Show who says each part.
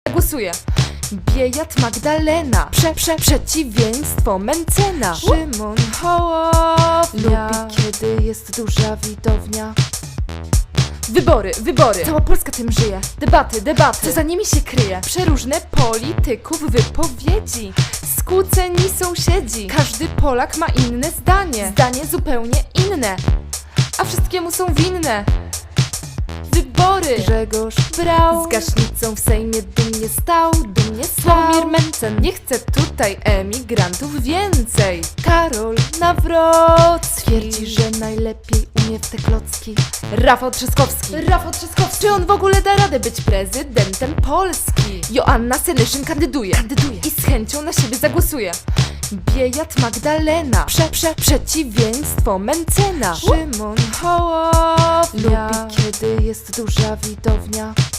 Speaker 1: Głosuję. Biejat Magdalena, przeciwieństwo Mencena. Szymon Hołownia lubi, kiedy jest duża widownia. Wybory, cała Polska tym żyje. Debaty, co za nimi się kryje? Przeróżne polityków wypowiedzi. Skłóceni sąsiedzi. Każdy Polak ma inne zdanie zupełnie inne, a wszystkiemu są winne wybory. Grzegorz Braun z gaśnicą w Sejmie dumnie stał. Sławomir Mencen nie chce tutaj emigrantów więcej. Karol Nawrocki twierdzi, że najlepiej umie w te klocki. Rafał Trzaskowski, czy on w ogóle da radę być prezydentem Polski? Joanna Senyszyn kandyduje i z chęcią na siebie zagłosuje. Biejat Magdalena, przeciwieństwo Mencena. Szymon Hołownia lubi, kiedy jest duża widownia.